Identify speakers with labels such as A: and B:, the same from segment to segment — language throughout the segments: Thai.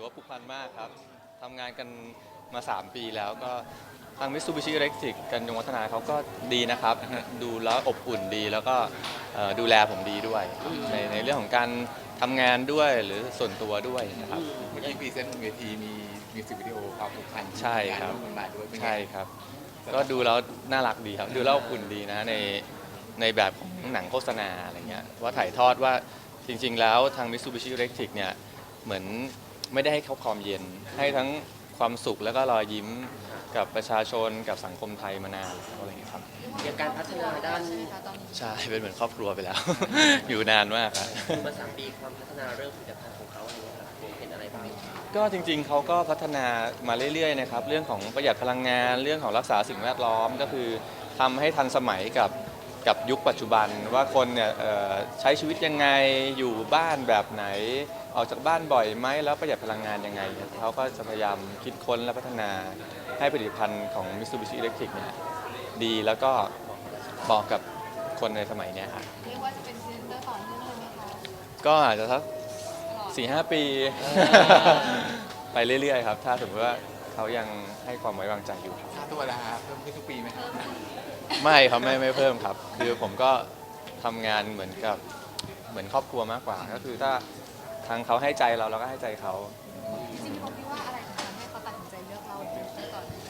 A: ว่าผูกพันมากครับทำงานกันมา3 ปีแล้วก็ทาง Mitsubishi Electric กันยงวัฒนาเขาก็ดีนะครับดูแล้วอบอุ่นดีแล้วก็ดูแลผมดีด้วยในเรื่องของการทำงานด้วยหรือส่วนตัวด้วยนะครับ
B: เมื่อกี้พรีเซนต์บนเวทีมีมิวสิกวิดีโอความผูกพัน
A: ใช่ครับ
B: งานร่วมกันมาด้วยเป็นไง
A: ใช่ครับก็ดูแล้วน่ารักดีครับดูแล้วอบอุ่นดีนะในแบบของหนังโฆษณาอะไรเงี้ยว่าถ่ายทอดว่าจริงๆแล้วทาง Mitsubishi Electric เนี่ยเหมือนไม่ได้ให้เขาความเย็นให้ทั้งความสุขแล้วก็รอยยิ้มกับประชาชนกับสังคมไทยมานานแล้วอะไรเงี้ยครับ
C: อย่างการพัฒนาด้าน
D: ใช่ไหมคะตอนนี้
A: ใช่เป็นเหมือนครอบครัวไปแล้ว อยู่นานมากครับ
C: มา3 ปีความพัฒนาเรื่องผลิตภัณฑ์ของเขาอะไรเงี้ยครับเห็นอะไรบ้าง
A: ก็จริงๆเขาก็พัฒนามาเรื่อยๆนะครับเรื่องของประหยัดพลังงานเรื่องของรักษาสิ่งแวดล้อมก็คือทำให้ทันสมัยกับยุคปัจจุบันว่าคนเนี่ยใช้ชีวิตยังไงอยู่บ้านแบบไหนออกจากบ้านบ่อยไหมแล้วประหยัดพลังงานยังไงเขาก็จะพยายามคิดค้นและพัฒนาให้ผลิตภัณฑ์ของ Mitsubishi Electric เนี่ยดีแล้วก็เหมาะกับคนในสมัยเนี้ยครับ
D: เรียกว่าจะเป็นพรีเซนเตอร์ต่อเนื่องเลยไหมคะ
A: ก็อาจจะสัก
D: ตลอด
A: 4-5 ปี ไปเรื่อยๆครับถ้าสมมติว่าเขายังให้ความไว้วางใจอยู่
B: ค่าตัวละครับเพิ่มขึ้นทุกปีไหมครับ
A: ไม่ครับไม่เพิ่มครับคือผมก็ทำงานเหมือนครอบครัวมากกว่า ก็คือถ้าทางเขาให้ใจเราก็ให้ใจเขา
D: จริงๆผมคิดว่าอะไรถึงทำให้เขาตัดสินใจเลือกเราเป็นพรีเซนเตอร์ต่อเนื่อง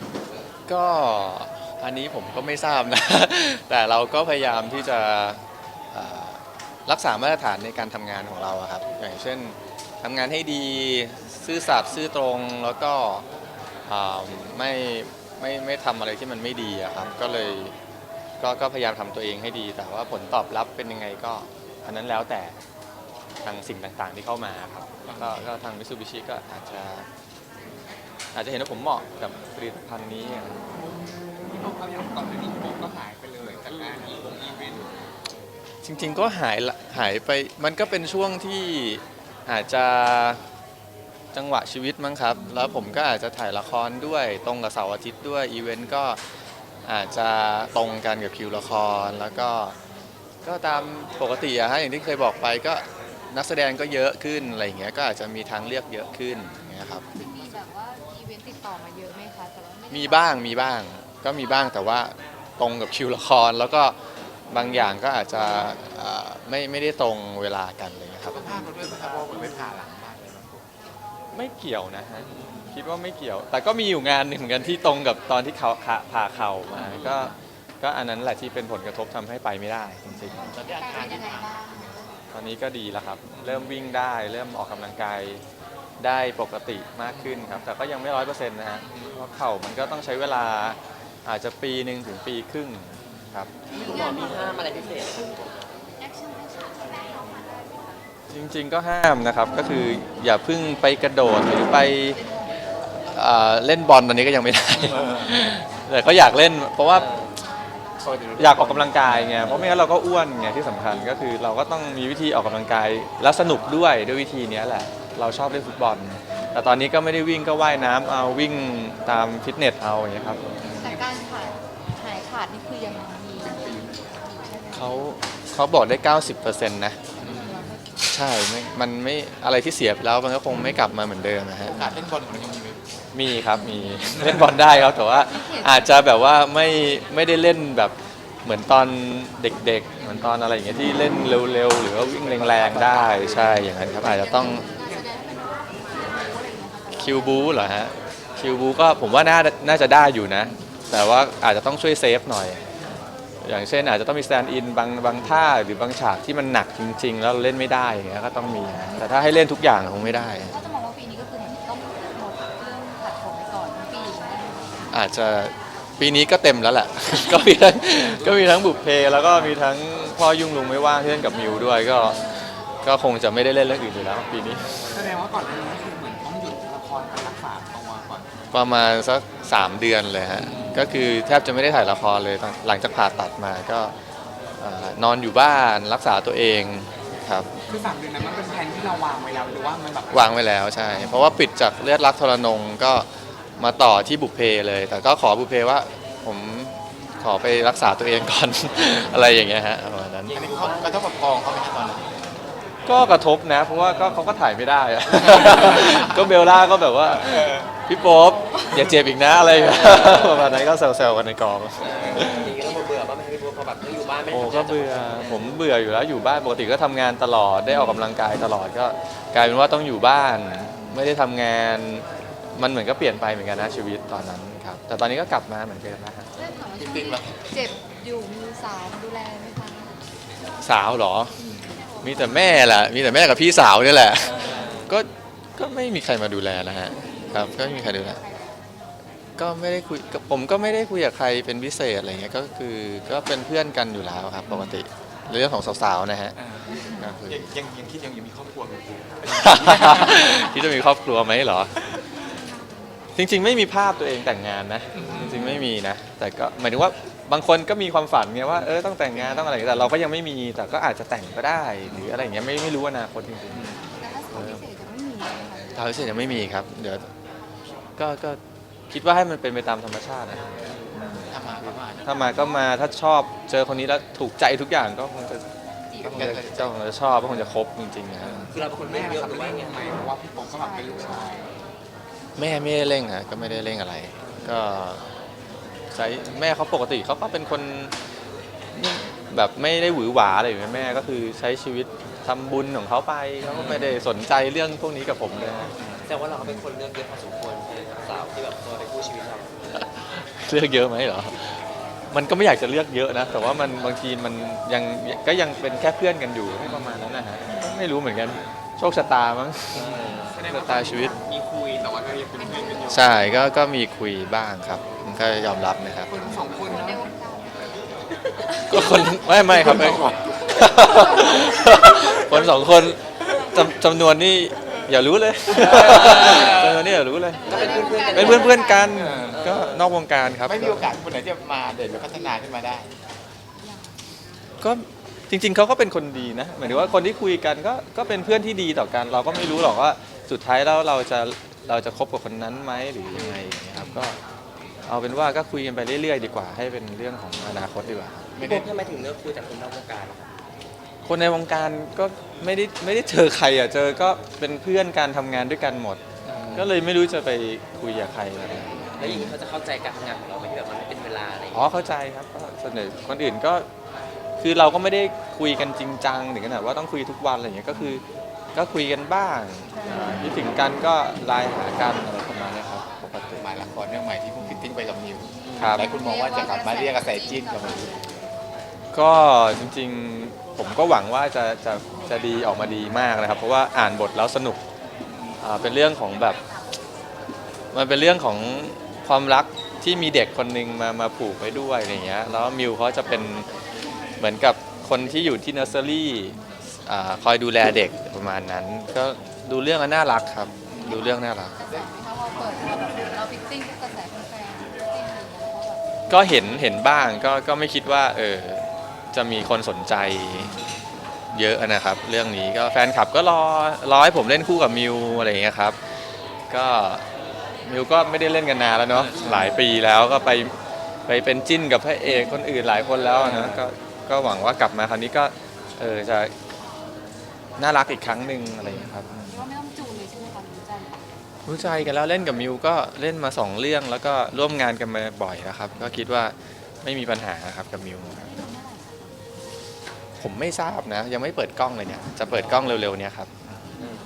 A: ก็อันนี้ผมก็ไม่ทราบนะ แต่เราก็พยายามที่จะเอ่อรักษามาตรฐานในการทำงานของเราอะครับอย่างเช่นทำงานให้ดีซื่อสัตย์ซื่อตรงแล้วก็อ่าไม่ทำอะไรที่มันไม่ดีอะครับก็เลยก็พยายามทำตัวเองให้ดี แต่ว่าผลตอบรับเป็นยังไงก็อันนั้นแล้วแต่ทางสิ่งต่างๆที่เข้ามาครับก็ทาง Mitsubishi ก็อาจจะเห็นว่าผมเหมาะกับผลิตภัณฑ์นี้
B: ที่พวกเขาอย่างก่อนหน้านี้ผมก็หายไปเลยจากงานอีเวนต์
A: จริงๆก็หายไปมันก็เป็นช่วงที่อาจจะจังหวะชีวิตมั้งครับแล้วผมก็อาจจะถ่ายละครด้วยตรงกับเสาร์อาทิตย์ด้วยอีเวนต์ก็อาจจะตรงกันกับคิวละครแล้วก็ตามปกติอะฮะอย่างที่เคยบอกไปก็นักแสดงก็เยอะขึ้นอะไรอย่างเงี้ยก็อาจจะมีทางเลือกเยอะขึ้นอย่างเงี้ยครับ
D: มีแบบว่าอีเวนต์ติดต่อมาเยอะไหมคะแต่ว่าไม่ได้
A: มีบ้างก็มีบ้างแต่ว่าตรงกับคิวละครแล้วก็บางอย่างก็อาจจะไม่ได้ตรงเวลากันอะไรอย่างเลยครับ
B: ก็พลาดมาด้วยนะครับเพราะว่าเหมือนไปผ่าหลังมากเลยนะ
A: ไม่เกี่ยวนะฮะคิดว่าไม่เกี่ยว แต่ก็มีอยู่งานหนึ่งเหมือนกันที่ตรงกับตอนที่เขาผ่าเข่ามาก็อันนั้นแหละที่เป็นผลกระทบทำให้ไปไม่ได้จริง
D: อาการเป็นยังไงบ้าง
A: ๆตอนนี้ก็ดีแล้วครับเริ่มวิ่งได้เริ่มออกกำลังกายได้ปกติมากขึ้นครับแต่ก็ยังไม่100%นะฮะเพราะเข่ามันก็ต้องใช้เวลาอาจจะปีหนึ่งถึงปีครึ่งครับ
C: คุณหมอมีห้ามอะไรพิเศษไหมครับ
D: แอคชั่นที่แม่เขามาได้ไหมคะ
A: จริงๆก็ห้ามนะครับก็คืออย่าเพิ่งไปกระโดดหรือไปเล่นบอลตอนนี้ก็ยังไม่ได้ แต่ก็อยากเล่นเพราะว่าอยากออกกำลังกายไงเพราะไม่งั้นเราก็อ้วนไงที่สำคัญก็คือเราก็ต้องมีวิธีออกกำลังกายแล้วสนุกด้วยวิธีนี้แหละเราชอบเล่นฟุตบอล แต่ตอนนี้ก็ไม่ได้วิ่งก็ว่ายน้ำเอาวิ่งตามฟิตเนสเอาอย่างเงี้ยครับ
D: แต่การหายขาดนี่คือยังมีอยู่ใช่ไหมคะ
A: เขาบอกได้ 90%นะใช่มันไม่อะไรที่เสียไปแล้วมันก็คงไม่กลับมาเหมือนเดิมนะฮะ
B: โอกาสเล่นบอลของเรายังมีไหม
A: มีครับมี เล่นบอลได้ครับแต่ว่าอาจจะแบบว่าไม่ได้เล่นแบบเหมือนตอนเด็กๆเหมือนตอนอะไรอย่างเงี้ยที่เล่นเร็วๆหรือว่าวิ่งแรงๆได้ใช่อย่างนั้นครับอาจจะต้อง
D: การแสดงให้เป็นอะไรอย่างเงี้ยค่ะ
A: คิวบูเหรอฮะคิวบูก็ผมว่าน่าจะได้อยู่นะ แต่ว่าอาจจะต้องช่วยเซฟหน่อย อย่างเช่นอาจจะต้องมีสแตนด์อินบางท่าหรือบางฉากที่มันหนักจริง ๆ แล้วเราเล่นไม่ได้อย่างเงี้ยก็ต้องมีแต่ถ้าให้เล่นทุกอย่างคงไม่ได้
D: ถ้าจะมองว่าปีนี้ก็คือเหมือนต้องหมดเรื่องผัดผมไปก่อนทั้งปีนะ
A: อาจจะปีนี้ก็เต็มแล้วแหละ ก็มีทั้งบุพเพแล้วก็มีทั้งพ่อยุ่งลุงไม่ว่างที่เล่นกับมิวด้วยก็คงจะไม่ได้เล่นเรื่องอื่นอยู่แล้วปีนี้
B: แสดงว่าก่อนหน้านี้คือเหมือนต้องหยุดละครกับรักษาตัวก่อน
A: ประมาณสัก3 เดือนเลยฮะก็คือแทบจะไม่ได้ถ่ายละครเลยหลังจากผ่าตัดมาก็นอนอยู่บ้านรักษาตัวเองครับ
B: คือ3 เดือนนั้นมันเป็นแผนที่เราวางไว้แล้วหรือว่ามันแบบ
A: วางไว้แล้วใช่เพราะว่าปิดจากเลือดรักทรนงก็มาต่อที่บุพเพเลย แต่ก็ขอบุพเพว่าผมขอไปรักษาตัวเองก่อน อะไรอย่างเงี้ยฮะประมาณนั้น
B: อันนี้เขากระทบกับกองเขาไหมครับตอนนั้น
A: ก็กระทบนะ เพราะว่าก็เขาก็ถ่ายไม่ได้อะ ก็เบลล่าก็แบบว่าพี่โป๊ปอย่าเจ็บอีกนะอะไรอย่างเงี้ยประมาณนั้นก็แซวๆกันในกอง
C: อย่างนี้เราเบื่อป่ะไม่ให้พี่โบ๊ทพอแบบต้องอยู่บ้านไม่ได้
A: โอ้
C: ทำงาน
A: ก็เบื่อผมเบื่ออยู่แล้วอยู่บ้านปกติก็ทำงานตลอดได้ออกกำลังกายตลอดก็กลายเป็นว่าต้องอยู่บ้าน ไม่ได้ทำงานมันเหมือนก็เปลี่ยนไปเหมือนกันนะชีวิตตอนนั้นครับแต่ตอนนี้ก็กลับมาเหมือนเดิมนะฮะ
D: เรื่องถามว่าช่วงนี้เจ็บอยู่มีสาวมาดูแลไหมคะ
A: สาวเหรอ มีแต่แม่แหละมีแต่แม่กับพี่สาวนี่แหละก็ไม่มีใครมาดูแลนะฮะครับก็ไม่มีใครดูแลก็ไม่ได้คุยผมก็ไม่ได้คุยกับใครเป็นพิเศษอะไรเงี้ยก็คือก็เป็นเพื่อนกันอยู่แล้วครับปกติเรื่องของสาวๆนะฮะก็คือ
B: ยังคิดยังมีครอบครัวไหมคุณ
A: ที่จะมีครอบครัวไหมเหรอ จริงๆไม่มีภาพตัวเองแต่งงานนะจริงๆไม่มีนะแต่ก็หมายถึงว่าบางคนก็มีความฝันไงว่าต้องแต่งงานต้องอะไรแต่เราก็ยังไม่มีแต่ก็อาจจะแต่งก็ได้หรืออะไรอย่างเงี้ยไม่รู้อนาคตจริง
D: แต่ถ้าสาวพิเศษจะไม่มีเลยค่ะ
A: ๆทางพิเศษยังไม่มีครับเดี๋ยวก็คิดว่าให้มันเป็นไปตามธรรมชาตินะ
B: ถ้ามาก็มา
A: ถ้ามาก็มาถ้าชอบเจอคนนี้แล้วถูกใจทุกอย่างก็คงจะชอบก็คงจะคบจริงๆนะครับ
C: คือเราเป็นคน
B: แม่
C: ไม่เยอะ
B: ขับ
C: หรือ
B: เร่
C: ว่าง
B: ยังไงเพราะว่าพี่โป๊ปก็แบบเป็นลูกชาย
A: แม่ไม่ได้เร่งฮะก็ไม่ได้เร่งอะไร ก็ใช้แม่เขาปกติเขาก็เป็นคนแบบไม่ได้หวือหวาอะไรอย่างเงี้ยแม่ก็คือใช้ชีวิตทำบุญของเขาไปเขาก็ไม่ได้สนใจเรื่องพวกนี้กับผมเลยฮะ
C: แต่ว่าเราก็เป็นคนเลือกเยอะพอสมควรใช่ไหมครับสาวที่แบบตัวในคู่ชีวิตเรา
A: เลือกเยอะไหมเหรอมันก็ไม่อยากจะเลือกเยอะนะแต่ว่ามันบางทีมันยังเป็นแค่เพื่อนกันอยู่ให้ประมาณนั้นนะฮะไม่รู้เหมือนกันโชคชะตามั้ง
B: แสดง
A: ชะ
B: ว่า
A: ตาชีวิต
B: มีคุยแต่ว่าก็ยังเป็นเพื่อนกันอยู่
A: ใช่ก็มีคุยบ้างครับมันก็ยอมรับนะครับ
B: คนสองคน
D: คนใน
B: นะ
D: วงการ
A: ก็คนไม่ครับไม่ คนสองคนจำนวนนี่อย่ารู้เลยจำนวนนี่อย่ารู้เลย
C: ก็เป็นเพื่อนๆกัน
A: เป็นเพื่อนๆกันก็นอกวงการครับ
B: ไม่มีโอกาสคนไหนจะมาเด่นหรือพัฒนาขึ้นมาได้
A: ก็จริงๆเขาก็เป็นคนดีนะหมายถึงว่าคนที่คุยกันก็เป็นเพื่อนที่ดีต่อกัน เราก็ไม่รู้หรอกว่าสุดท้ายแล้วเราจะคบกับคนนั้นไหมหรือยังไงอย่างเงี้ยครับก็เอาเป็นว่าก็คุยกันไปเรื่อยๆดีกว่าให้เป็นเรื่องของอนาคตดีกว่า
C: พี่โบ๊ททำไมถึงเลือกคุยแต่คนนอกวงการล่ะครับ
A: คนในวงการก็ไม่ได้เจอใครอ่ะเจอก็เป็นเพื่อนการทำงานด้วยกันหมด ก็เลยไม่รู้จะไปคุยกับใครอะไร
C: แล้วอย่างนี้เขาจะเข้าใจการทำงานของเราไหมที่แบบมันไม่เป็นเวลาอะไรอย่าง
A: อ๋อ
C: เงี้ย
A: เข้าใจครับก็เสนอคนอื่นก็คือเราก็ไม่ได้คุยกันจริงจังถึงขนาดว่าต้องคุยทุกวันอะไรอย่างเงี้ยก็คือก็คุยกันบ้างคิดถึงกันก็ไลน์หากันอะไรประมาณเนี้ยครับปกติ
B: มาละครเรื่องใหม่ที่เพิ่งฟิตติ้งไปกับนิว
A: ครับ
B: หลายคนมองว่าจะกลับมาเรียกกระแสจิ้นกับนิว
A: ก็จริงๆผมก็หวังว่าจะดีออกมาดีมากนะครับ เพราะว่าอ่านบทแล้วสนุกเป็นเรื่องของแบบมันเป็นเรื่องของความรักที่มีเด็กคนหนึ่งมาผูกไว้ด้วยอะไรอย่างเงี้ยแล้วมิวเขาจะเป็นเหมือนกับคนที่อยู่ที่เนอร์เซอรี่คอยดูแลเด็กประมาณนั้น ก็ดูเรื่องแล้วน่ารักครับดูเรื่องน่ารัก
D: กระแสไหมคะพอเปิดมาแบบเราฟิตติ้งกระแสแฟนๆฟิตติ้งอะไรอย่างเงี้ยแล้วก็แบบ
A: ก็เห็นบ้างก็ไม่คิดว่าจะมีคนสนใจเยอะนะครับ เรื่องนี้ก็แฟนคลับก็รอให้ผมเล่นคู่กับมิวอะไรอย่างเงี้ยครับก็มิวก็ไม่ได้เล่นกันนานแล้วเนาะหลายปีแล้วก็ไปเป็นจิ้นกับพระเอกคนอื่นหลายคนแล้วนะก็หวังว่ากลับมาคราวนี้ก็จะน่ารักอีกครั้งหนึ่งอะไรอย่างเงี้ยครับ
D: ว่าไม่ต้องจูนเลยใช่ไหมคะรู้ใจ
A: รู้ใจกันแล้วเล่นกับมิวก็เล่นมา2เรื่องแล้วก็ร่วมงานกันมาบ่อยนะครับ ก็คิดว่าไม่มีปัญหาครับกับมิวครับผมไม่ทราบนะ ยังไม่เปิดกล้องเลยเนี่ยจะเปิดกล้องเร็วๆเนี่ยครับ